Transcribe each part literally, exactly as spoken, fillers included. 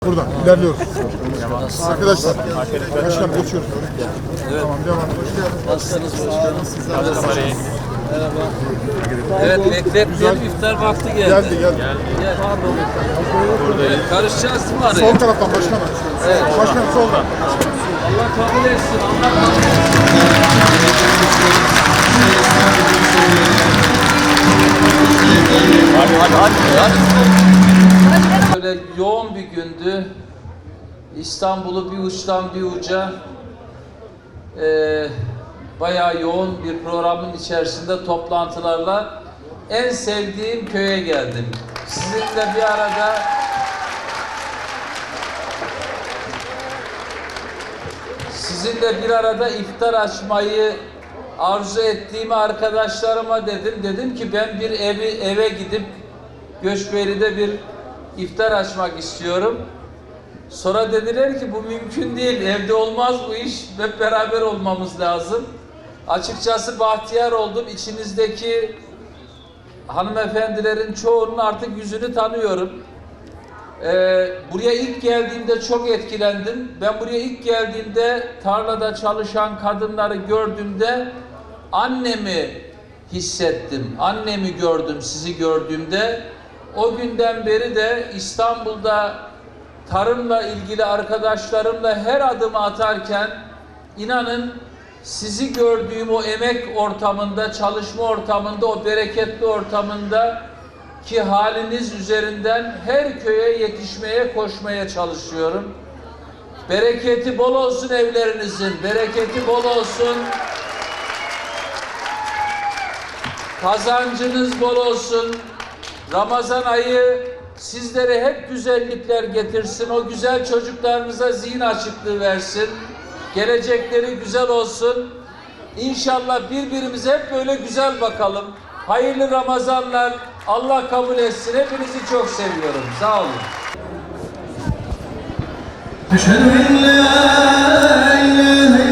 Buradan ilerliyoruz. Arkadaşlar, başkanım geçiyoruz. Evet. Tamam, devam. Hoş geldiniz. Nasılsınız başkanım? Merhaba. Evet, bekletmeyelim, iftar vakti geldi. Geldi, geldi. Gel. Pardon. Evet, karışacağız mı araya? Sol taraftan başkanım. Evet. Başkanım soldan. Allah kabul etsin. Allah kabul etsin. Hadi, hadi, hadi. hadi. Böyle yoğun bir gündü. İstanbul'u bir uçtan bir uca e, bayağı yoğun bir programın içerisinde toplantılarla en sevdiğim köye geldim. Sizinle bir arada sizinle bir arada iftar açmayı arzu ettiğimi arkadaşlarıma dedim. Dedim ki ben bir evi eve gidip Göçbeyli'de bir iftar açmak istiyorum. Sonra dediler ki bu mümkün değil, evde olmaz bu iş, hep beraber olmamız lazım. Açıkçası bahtiyar oldum. İçinizdeki hanımefendilerin çoğunun artık yüzünü tanıyorum. Ee, buraya ilk geldiğimde çok etkilendim. Ben buraya ilk geldiğimde tarlada çalışan kadınları gördüğümde annemi hissettim. Annemi gördüm sizi gördüğümde. O günden beri de İstanbul'da tarımla ilgili arkadaşlarımla her adımı atarken inanın sizi gördüğüm o emek ortamında, çalışma ortamında, o bereketli ortamında ki haliniz üzerinden her köye yetişmeye, koşmaya çalışıyorum. Bereketi bol olsun evlerinizin, bereketi bol olsun. Kazancınız bol olsun. Ramazan ayı sizlere hep güzellikler getirsin. O güzel çocuklarınıza zihin açıklığı versin. Gelecekleri güzel olsun. İnşallah birbirimize hep böyle güzel bakalım. Hayırlı Ramazanlar. Allah kabul etsin. Hepinizi çok seviyorum. Sağ olun. Eşhedü en la ilahe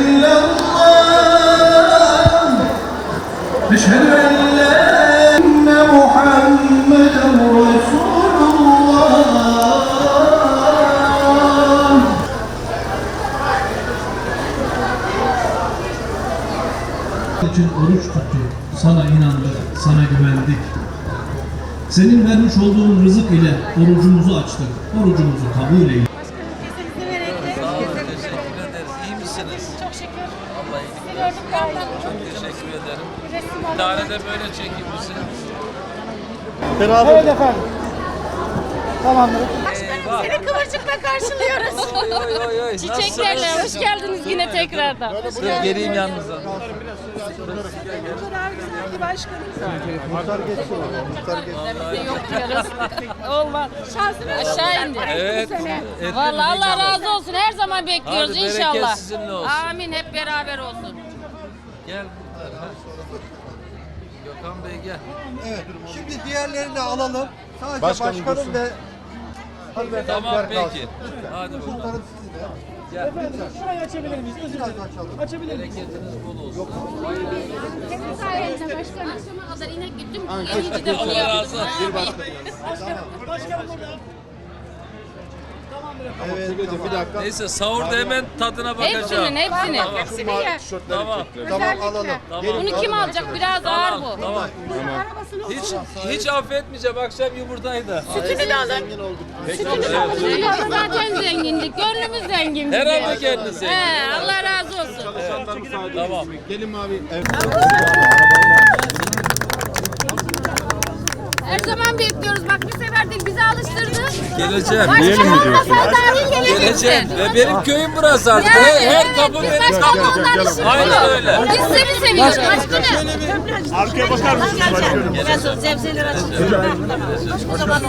illallah. Eşhedü en la enne Muhammeden Resulullah. için oruç tuttuk, sana inandık, sana güvendik. Senin vermiş olduğun rızık ile orucumuzu açtık, orucumuzu kabul eyle. Sağ olun. Teşekkür ederiz. İyi misiniz? Çok şükür. Allah iyilik Sizi versin. gördük yandan. Çok teşekkür ederim. Resim Bir tane de böyle çekeyim misin? Evet efendim. Tamamdır. Eyvah. Seni kıvırcıkla karşılıyoruz. Oy oy oy oy. Çiçeklerle hoş geldiniz yine tekrardan. Dur geleyim yanınıza. O kadar güzel ki başkanım. Bize yok diyoruz. Olmaz. Şansını aşağı indi. Evet. Bu sene. Ettim, Vallahi Allah inşallah. razı olsun. Her zaman bekliyoruz Hadi bereket inşallah. sizinle olsun. Amin. Hep beraber olsun. Gel bunlar. ha. Gökhan Bey gel. Evet. Şimdi diğerlerini de alalım. Sadece Başkanım başkanım, ve hanımefendiler Tamam kalsın. peki. Hadi bakalım. Kurtarın sizi de. Gel. Şurayı açabilir miyiz? Özür dilerim. Açalım. Bereketiniz bol olsun. Senin sayende başkanım. Akşama kadar inek güttüm. Yenici de bunu Allah razı yaptım. olsun. Evet. Bir dakika. Neyse sahurda hemen tadına bakacağım. Hepsinin hepsini. Tamam. Hepsini ye. Tamam. Tamam alalım. Tamam. Bunu kim alacak? Biraz ağır Tamam. bu. Tamam. Hiç hiç affetmeyeceğim. Akşam yumurtaydı. Sütünü de alın. Sütünü de alın. Sütünü zaten zengindik. Gönlümüz zengin. bizim. Herhalde kendiniz zengin. He, Allah razı olsun. Tamam. Her zaman bekliyoruz. Bak bir sefer değil bizi alıştırdı. Geleceğim. Başkan olmasa dahil Geleceğim. geleceksin. Ve benim köyüm burası artık. Yani, Her, her evet, kapı biz benim başkan kapım. ondan işimiz Aynen yok. öyle. Biz seni seviyoruz başkanım. Arkaya bakar mısınız başkanım? Sebzeler açın.